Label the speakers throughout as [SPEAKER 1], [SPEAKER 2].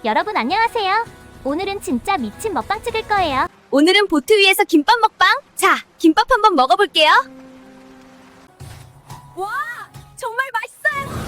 [SPEAKER 1] 여러분 안녕하세요. 오늘은 진짜 미친 먹방 찍을 거예요.
[SPEAKER 2] 오늘은 보트 위에서 김밥 먹방. 자, 김밥 한번 먹어볼게요. 와, 정말 맛있어요.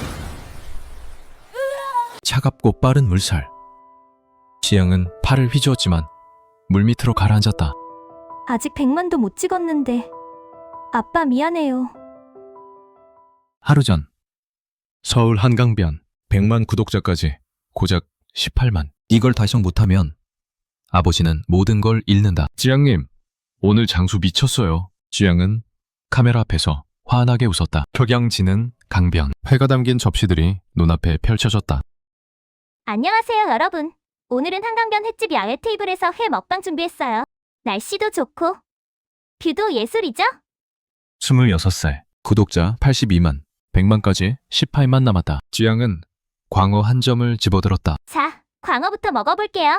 [SPEAKER 3] 차갑고 빠른 물살. 지영은 팔을 휘저었지만 물 밑으로 가라앉았다.
[SPEAKER 1] 아직 100만도 못 찍었는데 아빠 미안해요.
[SPEAKER 3] 하루 전 서울 한강변 100만 구독자까지 고작 18만. 이걸 달성 못하면 아버지는 모든 걸 잃는다. 지양님, 오늘 장수 미쳤어요. 지양은 카메라 앞에서 환하게 웃었다. 격양지는 강변. 회가 담긴 접시들이 눈앞에 펼쳐졌다.
[SPEAKER 1] 안녕하세요 여러분. 오늘은 한강변 횟집 야외 테이블에서 회 먹방 준비했어요. 날씨도 좋고 뷰도 예술이죠?
[SPEAKER 3] 26살. 구독자 82만. 100만까지 18만 남았다. 지양은 광어 한 점을 집어들었다.
[SPEAKER 1] 자, 광어부터 먹어볼게요.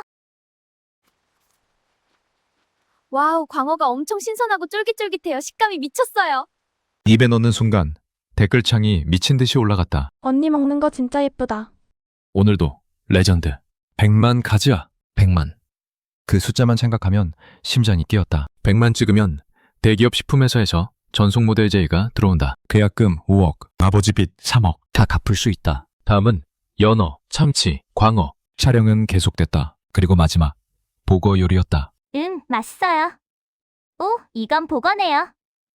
[SPEAKER 2] 와우, 광어가 엄청 신선하고 쫄깃쫄깃해요. 식감이 미쳤어요.
[SPEAKER 3] 입에 넣는 순간 댓글창이 미친 듯이 올라갔다.
[SPEAKER 4] 언니 먹는 거 진짜 예쁘다.
[SPEAKER 3] 오늘도 레전드. 100만 가즈아. 100만. 그 숫자만 생각하면 심장이 뛰었다. 100만 찍으면 대기업 식품회사에서 전속 모델 제의가 들어온다. 계약금 5억, 아버지 빚 3억. 다 갚을 수 있다. 다음은 연어, 참치, 광어. 촬영은 계속됐다. 그리고 마지막 보거 요리였다.
[SPEAKER 1] 맛있어요. 오, 이건 보거네요.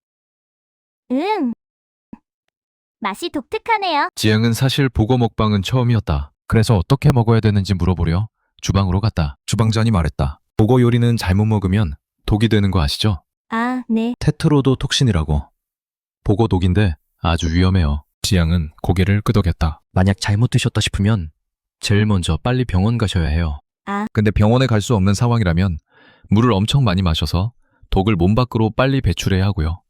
[SPEAKER 1] 맛이 독특하네요.
[SPEAKER 3] 지영은 사실 보거 먹방은 처음이었다. 그래서 어떻게 먹어야 되는지 물어보려 주방으로 갔다. 주방장이 말했다. 보거 요리는 잘못 먹으면 독이 되는 거 아시죠?
[SPEAKER 1] 아, 네.
[SPEAKER 3] 테트로도톡신이라고. 보고 독인데 아주 위험해요. 지양은 고개를 끄덕였다. 만약 잘못 드셨다 싶으면 제일 먼저 빨리 병원 가셔야 해요.
[SPEAKER 1] 아.
[SPEAKER 3] 근데 병원에 갈 수 없는 상황이라면 물을 엄청 많이 마셔서 독을 몸 밖으로 빨리 배출해야 하고요.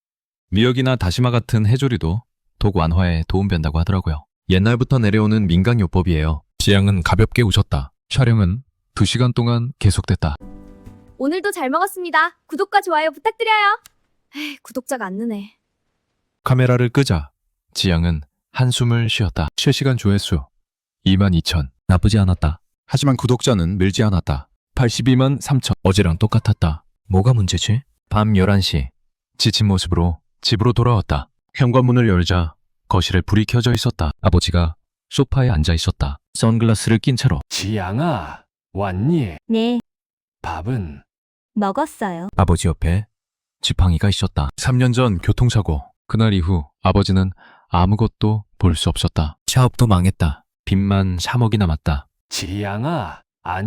[SPEAKER 3] 미역이나 다시마 같은 해조류도 독 완화에 도움된다고 하더라고요. 옛날부터 내려오는 민간요법이에요. 지양은 가볍게 웃었다. 촬영은 2시간 동안 계속됐다.
[SPEAKER 2] 오늘도 잘 먹었습니다. 구독과 좋아요 부탁드려요. 에이, 구독자가 안 느네.
[SPEAKER 3] 카메라를 끄자 지양은 한숨을 쉬었다. 실시간 조회수 22,000. 나쁘지 않았다. 하지만 구독자는 늘지 않았다. 82만 3천. 어제랑 똑같았다. 뭐가 문제지? 밤 11시. 지친 모습으로 집으로 돌아왔다. 현관문을 열자 거실에 불이 켜져 있었다. 아버지가 소파에 앉아 있었다. 선글라스를 낀 채로.
[SPEAKER 5] 지양아, 왔니?
[SPEAKER 1] 네,
[SPEAKER 5] 밥은?
[SPEAKER 1] 먹었어요.
[SPEAKER 3] 아버지 옆에 지팡이가 있었다. 3년 전 교통사고. 그날 이후 아버지는 아무것도 볼 수 없었다. 사업도 망했다. 빚만 3억이 남았다.
[SPEAKER 5] 지양아,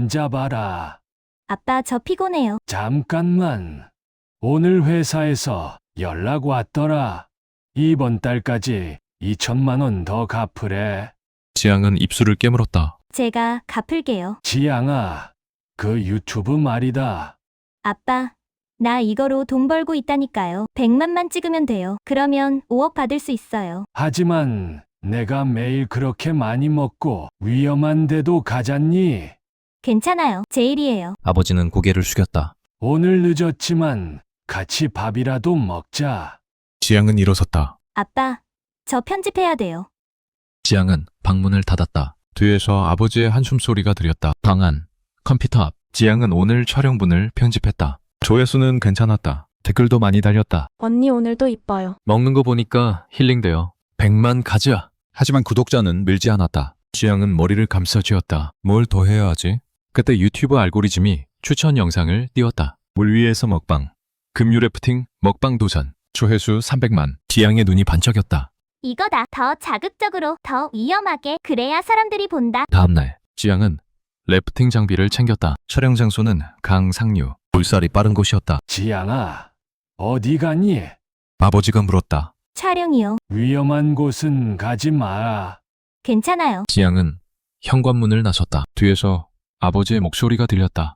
[SPEAKER 5] 앉아봐라.
[SPEAKER 1] 아빠 저 피곤해요.
[SPEAKER 5] 잠깐만. 오늘 회사에서 연락 왔더라. 이번 달까지 2천만 원 더 갚으래.
[SPEAKER 3] 지양은 입술을 깨물었다.
[SPEAKER 1] 제가 갚을게요.
[SPEAKER 5] 지양아, 그 유튜브 말이다.
[SPEAKER 1] 아빠, 나 이거로 돈 벌고 있다니까요. 100만만 찍으면 돼요. 그러면 5억 받을 수 있어요.
[SPEAKER 5] 하지만 내가 매일 그렇게 많이 먹고 위험한 데도 가잖니?
[SPEAKER 1] 괜찮아요. 제 일이에요.
[SPEAKER 3] 아버지는 고개를 숙였다.
[SPEAKER 5] 오늘 늦었지만 같이 밥이라도 먹자.
[SPEAKER 3] 지양은 일어섰다.
[SPEAKER 1] 아빠, 저 편집해야 돼요.
[SPEAKER 3] 지양은 방문을 닫았다. 뒤에서 아버지의 한숨소리가 들렸다. 방 안, 컴퓨터 앞. 지양은 오늘 촬영분을 편집했다. 조회수는 괜찮았다. 댓글도 많이 달렸다.
[SPEAKER 4] 언니 오늘도 이뻐요.
[SPEAKER 3] 먹는 거 보니까 힐링돼요. 100만 가즈아. 하지만 구독자는 늘지 않았다. 지양은 머리를 감싸쥐었다. 뭘 더 해야 하지? 그때 유튜브 알고리즘이 추천 영상을 띄웠다. 물 위에서 먹방. 급류 래프팅 먹방 도전. 조회수 300만. 지양의 눈이 반짝였다.
[SPEAKER 1] 이거다. 더 자극적으로, 더 위험하게. 그래야 사람들이 본다.
[SPEAKER 3] 다음날 지양은 래프팅 장비를 챙겼다. 촬영 장소는 강 상류. 물살이 빠른 곳이었다.
[SPEAKER 5] 지양아, 어디 가니?
[SPEAKER 3] 아버지가 물었다.
[SPEAKER 1] 촬영이요.
[SPEAKER 5] 위험한 곳은 가지 마.
[SPEAKER 1] 괜찮아요.
[SPEAKER 3] 지양은 현관문을 나섰다. 뒤에서 아버지의 목소리가 들렸다.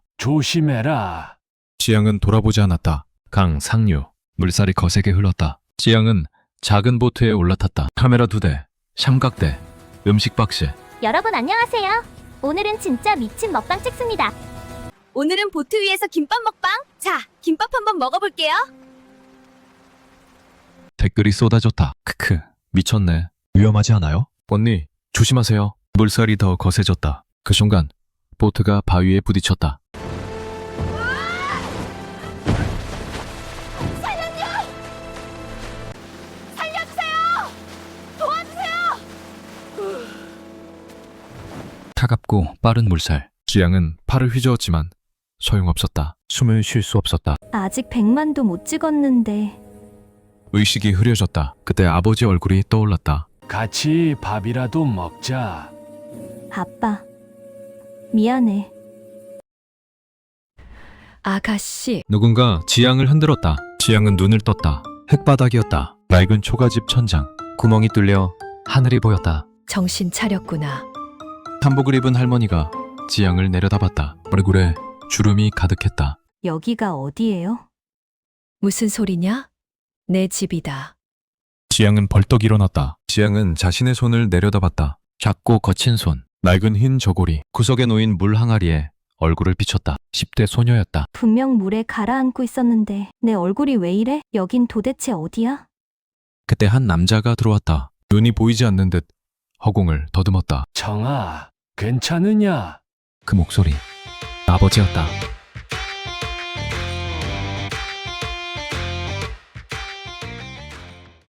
[SPEAKER 5] 조심해라.
[SPEAKER 3] 지양은 돌아보지 않았다. 강 상류. 물살이 거세게 흘렀다. 지양은 작은 보트에 올라탔다. 카메라 2대, 삼각대, 음식 박스.
[SPEAKER 1] 여러분 안녕하세요. 오늘은 진짜 미친 먹방 찍습니다.
[SPEAKER 2] 오늘은 보트 위에서 김밥 먹방. 자, 김밥 한번 먹어볼게요.
[SPEAKER 3] 댓글이 쏟아졌다. 크크, 미쳤네. 위험하지 않아요? 언니, 조심하세요. 물살이 더 거세졌다. 그 순간 보트가 바위에 부딪혔다. 차갑고 빠른 물살. 지양은 팔을 휘저었지만 소용없었다. 숨을 쉴 수 없었다.
[SPEAKER 1] 아직 100만도 못 찍었는데.
[SPEAKER 3] 의식이 흐려졌다. 그때 아버지 얼굴이 떠올랐다.
[SPEAKER 5] 같이 밥이라도 먹자.
[SPEAKER 1] 아빠. 미안해.
[SPEAKER 6] 아가씨,
[SPEAKER 3] 누군가 지양을 흔들었다. 지양은 눈을 떴다. 흙바닥이었다. 낡은 초가집 천장. 구멍이 뚫려 하늘이 보였다.
[SPEAKER 6] 정신 차렸구나.
[SPEAKER 3] 한복을 입은 할머니가 지양을 내려다봤다. 얼굴에 주름이 가득했다.
[SPEAKER 1] 여기가 어디예요?
[SPEAKER 6] 무슨 소리냐? 내 집이다.
[SPEAKER 3] 지양은 벌떡 일어났다. 지양은 자신의 손을 내려다봤다. 작고 거친 손, 낡은 흰 저고리, 구석에 놓인 물 항아리에 얼굴을 비췄다. 10대 소녀였다.
[SPEAKER 1] 분명 물에 가라앉고 있었는데 내 얼굴이 왜 이래? 여긴 도대체 어디야?
[SPEAKER 3] 그때 한 남자가 들어왔다. 눈이 보이지 않는 듯 허공을 더듬었다.
[SPEAKER 5] 청아, 괜찮으냐?
[SPEAKER 3] 그 목소리 아버지였다.